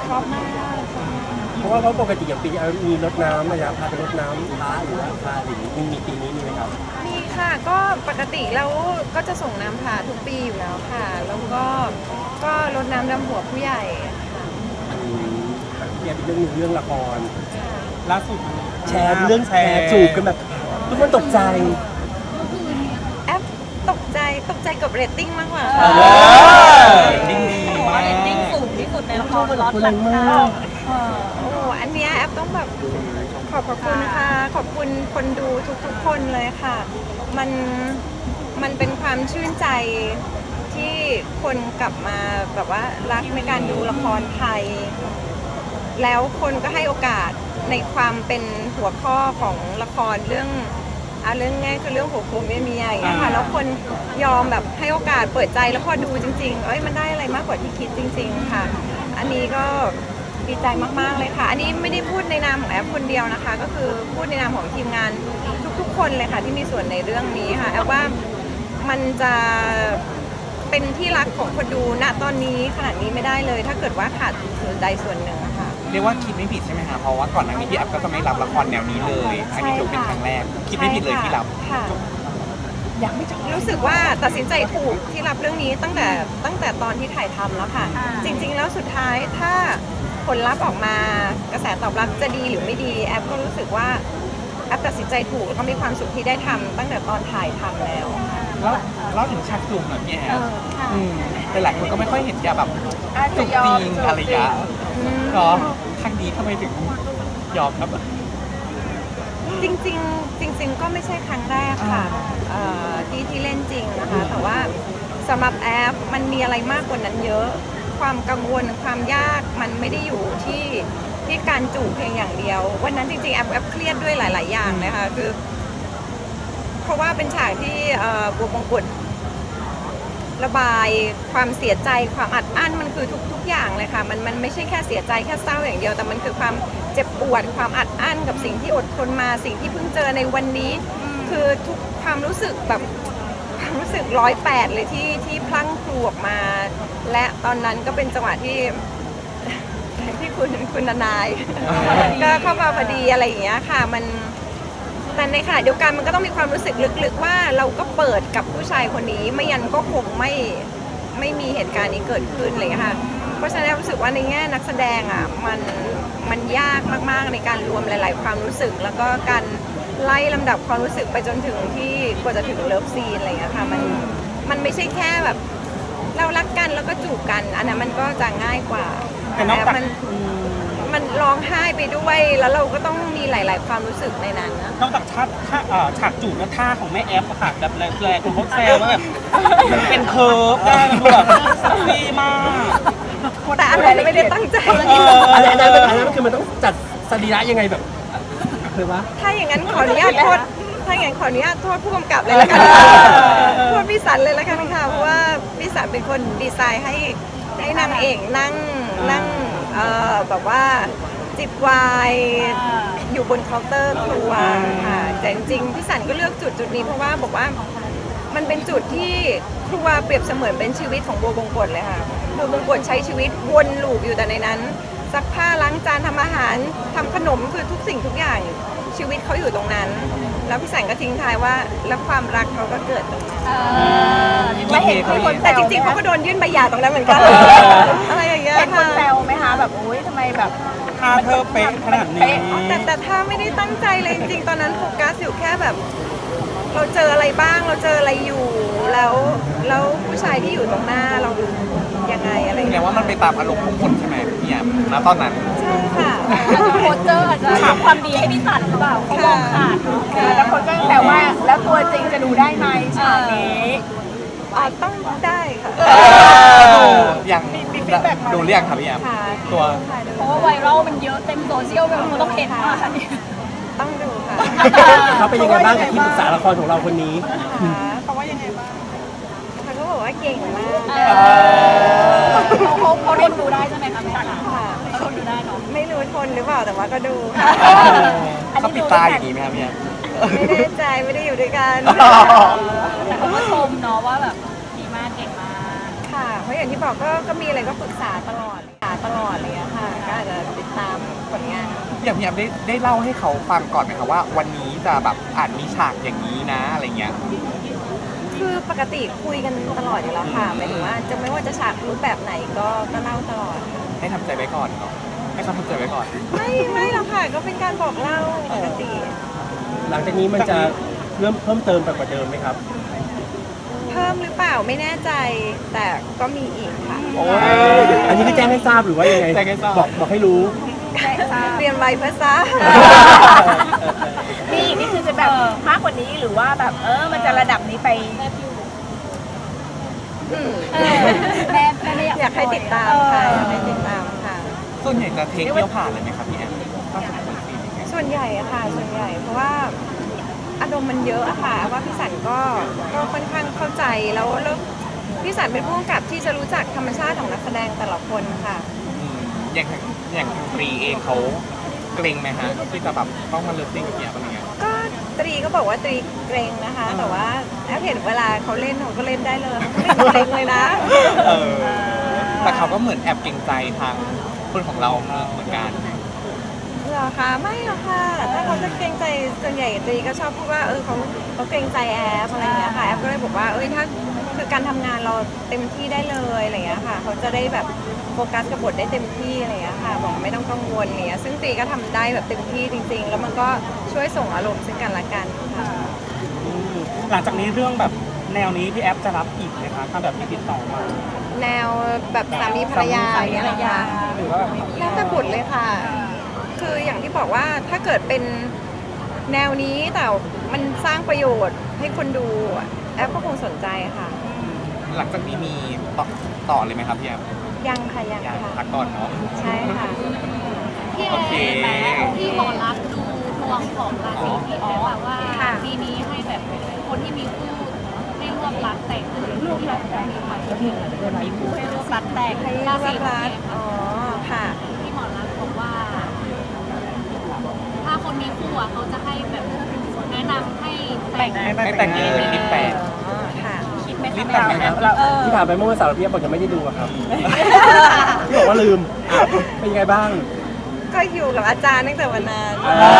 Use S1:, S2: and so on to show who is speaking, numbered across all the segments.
S1: ชอบมาก
S2: เพราะว่าปกติอย่างปีมีรดน้ำระยะพาไปรดน้ำพระหรือว่าพาหรือมีปีนี้มีไหมครับ
S1: มีค่ะก็ปกติแล้วก็จะส่งน้ำผ่าทุกปีอยู่แล้วค่ะ แล้วก็รดน้ำดำหัวผู้ใหญ่
S2: เกี่ยวกับเรื่องหนึ่งเรื่องละคร
S3: ล่าสุด
S2: แชร์เรื่องแชร์จูบกันแบบทุกคนตกใจ
S1: แอปตกใจกับเรตติ้งมากกว่า
S3: ดิ้งดีมาก
S4: เรตติ้งสูงที่สุดในละครล็อต
S2: คน
S4: หลั
S2: นั้
S4: ง
S2: นมา
S4: ข่าว
S2: ก
S1: โอ้อันเนี้ยแอปต้องแบบขอบคุณค่ะขอบคุณคนดูทุกคนเลยค่ะ มันเป็นความชื่นใจที่คนกลับมาแบบว่ารักในการดูละครไทย แล้วคนก็ให้โอกาสในความเป็นหัวข้อของละครเรื่องง่ายคือเรื่องหัวโขมเมียอย่างเงี้ยค่ะแล้วคนยอมแบบให้โอกาสเปิดใจแล้วพอดูจริงๆมันได้อะไรมากกว่าที่คิดจริงๆค่ะ อันนี้ก็ดีใจมากๆเลยค่ะ อันนี้ไม่ได้พูดในนามของแอปคนเดียวนะคะ ก็คือพูดในนามของทีมงานทุกๆคนเลยค่ะที่มีส่วนในเรื่องนี้ค่ะแอปว่ามันจะเป็นที่รักของคนดูณตอนนี้ขนาดนี้ไม่ได้เลย ถ้าเกิดว่าขาดส่วนใดส่วนหนึ่งอะค่ะ
S3: เรียกว่าคิดไม่ผิดใช่ไหมคะเพราะว่าก่อนหน้านี้พี่แอฟก็จะไม่รับละครแนวนี้เลยอันนี้ถือเป็นครั้งแรกคิดไม่ผิดเลยที่รับ
S1: ค่ะรู้สึกว่าตัดสินใจถูกที่รับเรื่องนี้ตั้งแต่ตอนที่ถ่ายทำแล้วค่ะ จริงๆแล้วสุดท้ายถ้าผลลัพธ์ออกมากระแสตอบรับจะดีหรือไม่ดีแอปก็รู้สึกว่าแอปตัดสินใจถูกแล้วก็มีความสุขที่ได้ทำตั้งแต่ตอนถ่ายทำแล้ว
S3: แล้วเล่าถึงฉากจูบหน่อยพี่แอฟ
S1: ค่ะ
S3: แต่หลายคนก็ไม่ค่อยเห็นยาแบบจูบจริงอะไรอย่างเงี้ยเนาะครั้งนี้ทำไมถึงยอมครับ
S1: จริงๆก็ไม่ใช่ครั้งแรกค่ะที่เล่นจริงนะคะ แต่ว่าสำหรับแอปมันมีอะไรมากกว่านั้นเยอะ ความกังวลความยากมันไม่ได้อยู่ที่การจูบเพียงอย่างเดียว วันนั้นจริงๆแอปเครียดด้วยหลายๆอย่างนะคะคือเพราะว่าเป็นฉากที่บัวบงกุฎระบายความเสียใจความอัดอั้นมันคือทุกอย่างเลยค่ะมันไม่ใช่แค่เสียใจแค่เศร้าอย่างเดียวแต่มันคือความเจ็บปวดความอัดอั้นกับสิ่งที่อดทนมาสิ่งที่เพิ่งเจอในวันนี้ คือทุกความรู้สึกแบบความรู้สึก108เลยที่พลั่งพลูออกมา และตอนนั้นก็เป็นจังหวะที่คุณนายก็เข้ามาพอดีอะไรอย่างเงี้ยค่ะมันแต่ในขณะเดียวกันมันก็ต้องมีความรู้สึกลึกๆว่าเราก็เปิดกับผู้ชายคนนี้ไม่ยันก็คงไม่มีเหตุการณ์นี้เกิดขึ้นเลยค่ะเพราะฉะนั้นรู้สึกว่าในแง่นักแสดงอ่ะมันยากมากๆในการรวมหลายๆความรู้สึกแล้วก็การไล่ลำดับความรู้สึกไปจนถึงที่กว่าจะถึงเลิฟซีนอะไรอย่างเงี้ยค่ะมันไม่ใช่แค่แบบเรารักกันแล้วก็จูบกันอันนั้นมันก็จะง่ายกว่าแต่มันร้องไห้ไปด้วยแล้วเราก็ต้องมีหลาย ๆ ความรู้สึกในนั้นนะ
S5: นอกจากฉากจูบและท่าของแม่แอฟอะค่ะแบบแรงๆคนเขาแซวว่าแบบเป็นเคิร์ฟได้แบบดีมาก
S1: แต่อันนั้นไม่ได้ตั้งใจ
S2: อันนั้นคือมันต้องจัดสรีระยังไงแบบคือว่า
S1: ถ้าอย่างนั้นขออนุญาตโทษผู้กำกับเลยละกันโทษพี่สันเลยละกันค่ะเพราะว่าพี่สันเป็นคนดีไซน์ให้นางเอกนั่งแบบว่าจิบไวน์อยู่บนเคาน์เตอร์ครัวค่ะแต่จริงๆพี่สันก็เลือกจุดนี้เพราะว่าบอกว่ามันเป็นจุดที่ครัวเปรียบเสมือนเป็นชีวิตของบัวบงกฎเลยค่ะบัวบงกฎใช้ชีวิตวนลูปอยู่แต่ในนั้นซักผ้าล้างจานทำอาหารทำขนมคือทุกสิ่งทุกอย่างชีวิตเขาอยู่ตรงนั้น แล้วพี่สันก็ทิ้งท้ายว่าแล้วความรักเขาก็เกิดตรงนั้นไม่เห็นคนแต่จริงๆเขาก็โดนยื่นใบหย่าตรงนั้นเหมือนกันอะไรอย่างเงี้ย
S4: เห็นคน
S1: ค่ะ
S4: แซวไหมคะแบบอุ้ยทำไมแบบ
S5: ท่าเธอเป๊ะขนาดนี้
S1: แต่ถ้าไม่ได้ตั้งใจเลยจริงๆตอนนั้นโฟกัสอยู่แค่แบบ เราเจออะไรบ้างเราเจออะไรอยู่แล้วผู้ชายที่อยู่ตรงหน้าเรายังไงอะไรอย่าง
S3: แปล
S1: เงี้ย
S3: ว่ามันไปตามอารมณ์ของคนใช่ไหมพี่แอฟณตอนนั้น
S1: ใช่ค่ะ
S4: โคเจอร์อาจจะทำความดีให้พี่สันหรือเปล่าเขามองขาดเนอะแล้วคนก็แซวว่าแล้วตัวจริงจะดูได้ไหมฉากนี้
S1: ต้องได้ค่ะ
S3: ยังดูเรียกครับพี่แอฟ
S1: ค่ะ
S3: ตัว
S4: เพราะว่าไวรัลมันเยอะเต็มโซเชียลไปหมดมันต้องเห็นว่าอันนี้
S1: ต้องดูค่ะ
S2: เขาเป็นยังไงบ้างกับที่ปรึกษาละครของเราคนนี้
S1: เขาว่ายังไงบ้างเขาก็บอกว่าเก่งมาก
S4: เขาทนดูได้ใช่ไหมคะแม่คะ
S1: ค่ะ
S4: เขาทนดูได้เนาะ
S1: ไม่รู้ทนหรือเปล่าแต่ว่าก็ดูค่ะ
S3: เขาปิดตาอย่างนี้ไหมครับพี่แอฟ
S1: ไม่แน่ใจไม่ได้อยู่ด้วยกัน
S4: แต่เขาก็ชมเนาะว่าแบบดีมากเก่งมาก
S1: ค่ะเพราะอย่างที่บอกก็มีอะไรก็ปรึกษาตลอดเลยอะค่ะ
S3: อย่างพี่แอฟได้เล่าให้เขาฟังก่อนไหมคะว่าวันนี้จะแบบมีฉากอย่างนี้นะอะไรเงี้ย
S1: คือปกติคุยกันตลอดอยู่แล้วค่ะหมายถึงว่าจะไม่ว่าจะฉากรูปแบบไหนก็เล่าตลอดค่ะ
S3: ให้ทำใจไว้ก่อนเนาะให้เขาทำใจไว้ก่อน
S1: ไม่หรอกค่ะก็เป็นการบอกเล่าปกติ
S2: หลังจากนี้มันจะเพิ่มเติมไปกว่าเดิมไหมครับ
S1: เพิ่มหรือเปล่าไม่แน่ใจ แต่ก็มีอีกค่ะ
S2: อันนี้คือแจ้งให้ทราบหรือว่ายังไง
S3: แจ้งให้ทราบ
S2: บอกให้รู้
S1: เรียนไว้เพื่อทราบ
S4: นี่นี่คือจะแบบมากกว่านี้หรือว่าแบบมันจะระดับนี้ไป แม่ไม่
S1: อยากให้ติดตามค่ะอยากให้ติดตามค่ะ
S3: ส่วนใหญ่จะเทคเดียวผ่านเลยไหมครับพี่แอฟถ้าสมมติซีนอย่างเงี้ย
S1: ส่วนใหญ่อะค่ะส่วนใหญ่เพราะว่าอารมณ์มันเยอะอะค่ะว่าพี่สันก็ค่อนข้างเข้าใจแล้วพี่สันเป็นผู้กำกับที่จะรู้จักธรรมชาติของนักแสดงแต่ละคนค่ะ
S3: อย่างทางตรีเองเขาเกรงไหมฮะที่จะแบบต้องมาเลิฟซีนกับพี่แอฟอะไรเงี้ย
S1: ก็ตรีก็บอกว่าตรีเกรงนะคะ แต่ว่าแอบเห็นเวลาเขาเล่นเขาก็เล่นได้เลยเขาไม่เกรงเลยนะ
S3: แต่เขาก็เหมือนแอบเกรงใจทางคนของเราเหมือนกัน
S1: เหรอคะไม่หรอกค่ะถ้าเขาจะเกรงใจส่วนใหญ่ตรีก็ชอบพูดว่าเขาเกรงใจแอฟอะไรอย่างเงี้ยค่ะแอฟก็เลยบอกว่าถ้าคือการทำงานเราเต็มที่ได้เลยอะไรอย่างเงี้ยค่ะเขาจะได้แบบโฟกัสกับบทได้เต็มที่อะไรอย่างเงี้ยค่ะบอกไม่ต้องกังวลอะไรเงี้ยซึ่งตรีก็ทำได้แบบเต็มที่จริง ๆ แล้วมันก็ช่วยส่งอารมณ์ซึ่งกันและกันค่ะ
S5: หลังจากนี้เรื่องแบบแนวนี้พี่แอฟจะรับอีกไหมคะถ้าแบบมีติดต่อมา
S1: แนวแบบสามีภรรยาอย่างเงี้ยนะคะ
S5: หรือว่าแบบ
S1: แล้วแต่บทเลยค่ะ คืออย่างที่บอกว่าถ้าเกิดเป็นแนวนี้แต่มันสร้างประโยชน์ให้คนดูแอปก็คงสนใจค่ะ
S3: หลังจากนี้มีต่อเลยไหมครับพี่แอฟ
S1: ยังค่ะยัง
S3: ยัง
S1: ค่ะ
S3: พักก่อนเนาะ
S1: ใช่ค่ะ
S6: พี่
S3: โอเค
S6: พี่หมอรักษณ์ดูดวงของราศีพี่แอฟอะว่าปีนี้ให้แบบคนที่มีคู่ให้รวบรัดแต่งรูปรัดแต่งมีคู่ให้รวบรัดแต่ง
S1: ให้
S6: รา
S1: รั
S6: ศี
S1: กรักอ๋อค่ะ
S6: พี่หมอรักษณ์บอกว่า ถ้าคนมีคู่อะเขาจะให้แบบแนะนำให้แต่ง
S3: ให้แต่งเลยรีบแต่ง
S1: อ๋อค่ะ
S6: คิดไหม
S3: รี
S6: คะ
S3: บแต่งไหมครับ
S2: ที่ผ่านไปเมื่อวันเสาร์พี่บอกยังไม่ได้ดูอะครับพี่บอกว่าลืมเป็นยังไงบ้าง
S1: ก็อยู่กับอาจารย์ตั้งแต่วันนั้น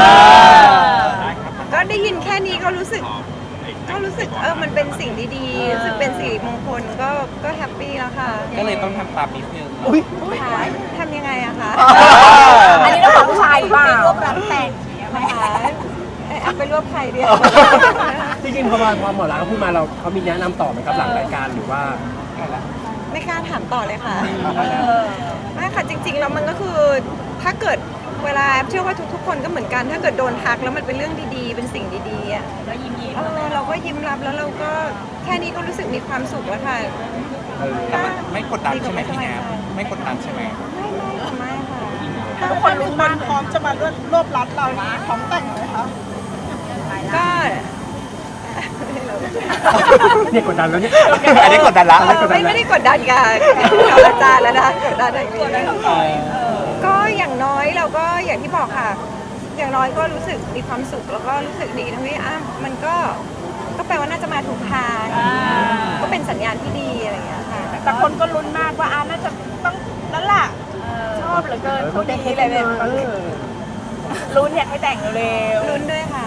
S1: ก็ได้ยินแค่นี้ก็รู้สึกมันเป็นสิ่งดีๆรู้สึกเป็นสิริมงคลก็แฮปปี้แล้วค่ะ
S3: ก็เลยต้องทำตามนิดนึง
S2: อุ้ย
S1: ค่ะทำยังไงอะคะ
S4: อันนี้ต้องของผู้ชายหรือเปล่า
S6: รวบรัดแต่งอย่างเงี้ยไหมคะ
S1: เอาไปรวบใครเดียว
S2: จริงๆพอหมอรักเขาพูดมาเขามีแนะนำต่อไหมครับหลังรายการหรือว่า
S1: ไม่กล้าถามต่อเลยค่ะไม่ค่ะจริงๆแล้วมันก็คือถ้าเกิดเวลาเชื่อว่าทุกๆคนก็เหมือนกัน ถ้าเกิดโดนทักแล้วมันเป็นเรื่องดีๆ เป็นสิ่งดีๆอ่ะ
S6: ก็ยิ้ม
S1: เราก็ยิ้มรับแล้วเราก็แค่นี้ก็รู้สึกมีความสุขแล้วค่ะ
S3: แต่มันไม่กดดันใช่ไหมพี่แอฟไม่กดดันใช่ไหม
S1: ไม่ค่ะ
S4: ทุกคนรู้มันพร้อมจะมารวบรัดเรานี้พร้อมแต่งเลยคะ
S1: ก็
S2: เนี่ยกดดันแล้วเนี่ย
S3: อันนี้กดดันละ
S1: ไม่ได้กดดันกับอาจารย์แล้วนะกดดันอย่างนี้ก็อย่างน้อยเราก็อย่างที่บอกค่ะ อย่างน้อยก็รู้สึกมีความสุขแล้วก็รู้สึกดีทั้งที่มันก็แปลว่าน่าจะมาถูกทางก็เป็นสัญญาณที่ดีอะไรอย่างเงี้ยค่ะ
S4: แต่คนก็ลุ้นมากว่าน่าจะต้องนั่นแหละชอบเหลือเกินคนนี้เลยเนี่ยลุ้นอยากให้แต่งเร็ว
S1: ลุ้นด้วยค่ะ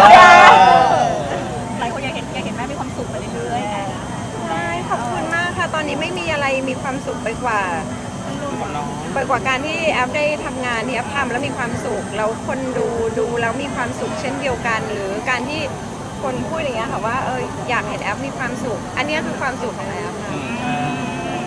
S6: หลายคนอยากเห็นแม่มีความสุขไปเรื่อย
S1: ใช่ขอบคุณมากค่ะ ตอนนี้ไม่มีอะไรมีความสุขไปกว่าการที่แอฟได้ทำงานที่แอฟทำแล้วมีความสุขแล้วคนดูแล้วมีความสุขเช่นเดียวกัน หรือการที่คนพูดอย่างเงี้ยค่ะว่าอยากเห็นแอฟมีความสุข อันเนี้ยคือความสุขของแอฟค่ะ